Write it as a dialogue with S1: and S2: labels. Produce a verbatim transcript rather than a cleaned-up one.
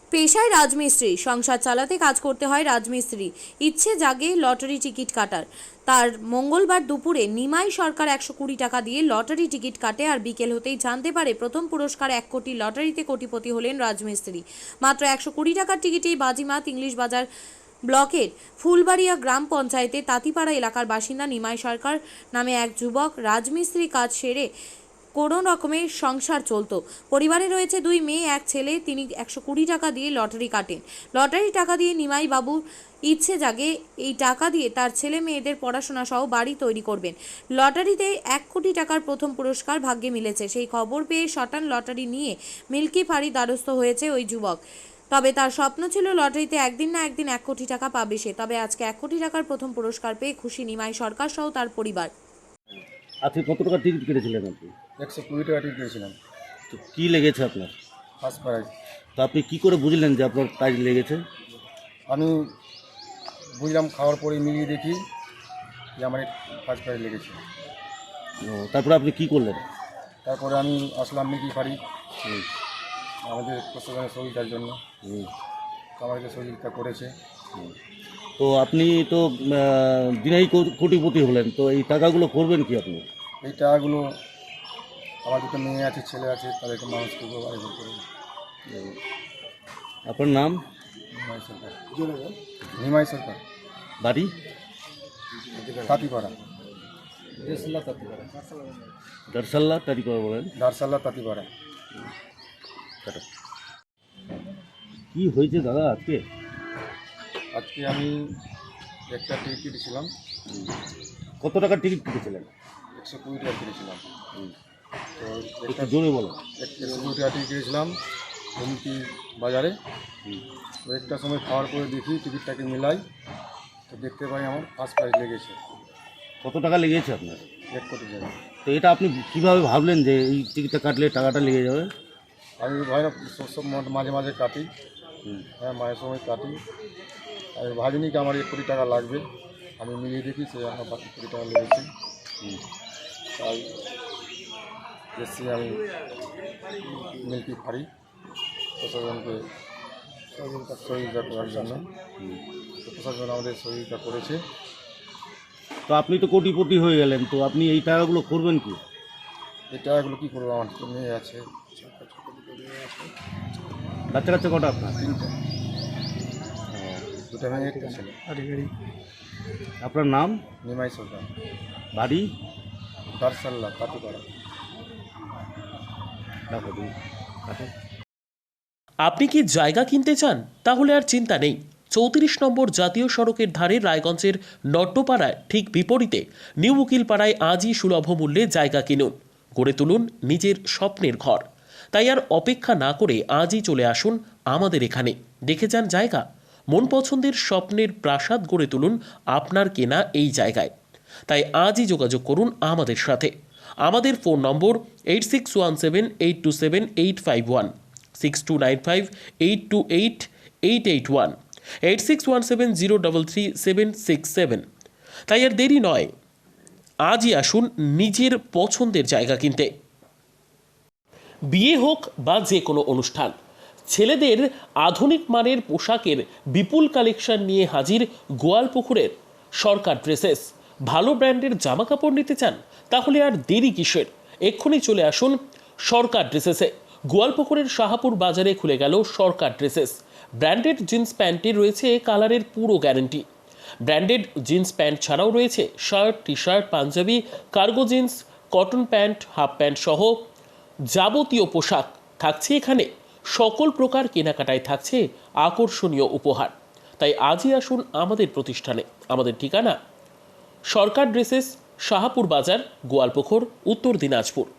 S1: পেশায় রাজমিস্ত্রি, সংসার চালাতে কাজ করতে হয় রাজমিস্ত্রি। ইচ্ছে জাগে লটারি টিকিট কাটার। তার মঙ্গলবার দুপুরে নিমাই সরকার একশো কুড়ি টাকা দিয়ে লটারি টিকিট কাটে, আর বিকেল হতেই জানতে পারে প্রথম পুরস্কার এক কোটি লটারিতে কোটিপতি হলেন রাজমিস্ত্রি। মাত্র একশো কুড়ি টাকার টিকিটেই বাজিমাত। ইংলিশ বাজার ব্লকের ফুলবাড়িয়া গ্রাম পঞ্চায়েতে তাঁতিপাড়া এলাকার বাসিন্দা নিমাই সরকার নামে এক যুবক। রাজমিস্ত্রি কাজ সেরে কোনো রকমের সংসার চলতো। পরিবারে রয়েছে দুই মেয়ে, এক ছেলে। তিনি একশো কুড়ি টাকা দিয়ে লটারি কাটেন। লটারি টাকা দিয়ে নিমাই বাবু ইচ্ছে জাগে এই টাকা দিয়ে তার ছেলে মেয়েদের পড়াশোনা সহ বাড়ি তৈরি করবেন। লটারিতে এক কোটি টাকার প্রথম পুরস্কার ভাগ্যে মিলেছে। সেই খবর পেয়ে শটান লটারি নিয়ে মিল্কি ফাঁড়ি দ্বারস্থ হয়েছে ওই যুবক। তবে তার স্বপ্ন ছিল লটারিতে একদিন না একদিন এক কোটি টাকা পাবে সে। তবে আজকে এক কোটি টাকার প্রথম পুরস্কার পেয়ে খুশি নিমাই সরকার সহ তার পরিবার।
S2: আজকে কত টাকা টিকিট কেটেছিলেন আপনি?
S3: একশো কুড়ি টাকা টিকিট কিনেছিলাম,
S2: তো কী লেগেছে আপনার?
S3: First prize.
S2: তো আপনি কী করে বুঝলেন যে আপনার প্রাইজ লেগেছে?
S3: আমি বুঝলাম, খাওয়ার পরে মিলিয়ে দেখি যে আমার ফার্স্ট প্রাইজ লেগেছে।
S2: ও, তারপরে আপনি কী করলেন?
S3: তারপরে আমি আসলাম মিকি ফাড়ি আমাদের প্রশাসনের সহযোগিতার জন্য।
S2: হুম।
S3: তো আমাদেরকে সহযোগিতা করেছে।
S2: তো আপনি তো আহ, দিনেই কো- কোটিপতি হলেন, তো এই টাকাগুলো করবেন কি আপনি?
S3: এই টাকাগুলো আমার দুটো মেয়ে আছে, ছেলে আছে, তাদেরকে মানুষ করবো, আয়োজন করবো।
S2: আপনার নাম,
S3: নিমাই সরকার। নিমাই সরকার,
S2: বাড়ি?
S3: তাঁতিপাড়া,
S2: দারসাল্লা তারি করে বলেন।
S3: দারসাল্লা তাঁতিপাড়া।
S2: টাটা। কি হয়েছে দাদা আজকে?
S3: আজকে আমি একটা টিকিট কেটেছিলাম,
S2: কত টাকার টিকিট কেটেছিলেন?
S3: একশো কুড়ি টাকা কিনেছিলাম। তো
S2: একটু
S3: একটা
S2: জোরে বলো।
S3: একশো কুড়ি টাকা টিকিট কিনেছিলাম হুমকি বাজারে। তো একটা সময় খাওয়ার পরে দেখি টিকিটটাকে মিলাই, তো দেখতে পাই আমার ফার্স্ট প্রাইজ লেগেছে
S2: কত টাকা লেগেছে আপনার?
S3: এক কোটি টাকা।
S2: তো এটা আপনি কীভাবে ভাবলেন যে এই টিকিটটা কাটলে টাকাটা লেগে যাবে?
S3: আমি ভাই না সব মাঝে মাঝে কাটি, হ্যাঁ মাঝে সময় কাটি। আমি ভাবিনি কি আমার এক কোটি টাকা লাগবে। আমি মিলিয়ে দেখি সে আমার বাকি কোটি টাকা লেগেছে। তাই এসছি আমি মিল্কি ফাড়ি প্রশাসনকে সহযোগিতা করার জন্য। তো প্রশাসন আমাদের সহযোগিতা করেছে।
S2: তো আপনি তো কোটিপতি হয়ে গেলেন, তো আপনি এই টাকাগুলো করবেন কি?
S3: এই টাকাগুলো কী করবো, আমার তো মেয়ে আছে
S2: বাচ্চা কাচ্চা কটা আপনার?
S3: তিনটা, দুটা মেয়ে একটা ছেলে।
S2: আপনার নাম,
S3: নিমাই সরকার,
S2: বাড়ি?
S3: দারসাল্লা তাঁতিপাড়া।
S2: রাখো তুমি, রাখো।
S4: আপনি কি জায়গা কিনতে চান? তাহলে আর চিন্তা নেই। চৌত্রিশ নম্বর জাতীয় সড়কের ধারে রায়গঞ্জের নট্টপাড়ায় ঠিক বিপরীতে নিউ উকিলপাড়ায় আজই সুলভ মূল্যে জায়গা কিনুন, গড়ে তুলুন নিজের স্বপ্নের ঘর। তাই আর অপেক্ষা না করে আজই চলে আসুন আমাদের এখানে, দেখে যান জায়গা। মন পছন্দের স্বপ্নের প্রাসাদ গড়ে তুলুন আপনার কেনা এই জায়গায়। তাই আজই যোগাযোগ করুন আমাদের সাথে। আমাদের phone number eight six one seven eight two seven eight five one, six two nine five eight two eight eight eight one, eight six one seven zero double three seven six seven. তাই আর দেরি নয়, আজই আসুন নিজের পছন্দের জায়গা কিনতে। বিয়ে হোক বা যে কোনো অনুষ্ঠান, ছেলেদের আধুনিক মানের পোশাকের বিপুল কালেকশন নিয়ে হাজির গোয়ালপুকুরের সরকার ড্রেসেস। ভালো ব্র্যান্ডের জামা কাপড় নিতে চান? তাহলে আর দেরি কিসের, এক্ষুনি চলে আসুন সরকার ড্রেসেসে। গোয়ালপুকুরের শাহাপুর বাজারে খুলে গেল সরকার ড্রেসেস। ব্র্যান্ডেড জিন্স প্যান্টে রয়েছে কালারের পুরো গ্যারেন্টি। ব্র্যান্ডেড জিন্স প্যান্ট ছাড়াও রয়েছে shirt, T shirt, panjabi, cargo jeans, cotton pant, half pant সহ যাবতীয় পোশাক থাকছে এখানে। সকল প্রকার কেনাকাটায় থাকছে আকর্ষণীয় উপহার। তাই আজই আসুন আমাদের প্রতিষ্ঠানে। আমাদের ঠিকানা সরকার ড্রেসেস, শাহাপুর বাজার, গোয়ালপুকুর, উত্তর দিনাজপুর।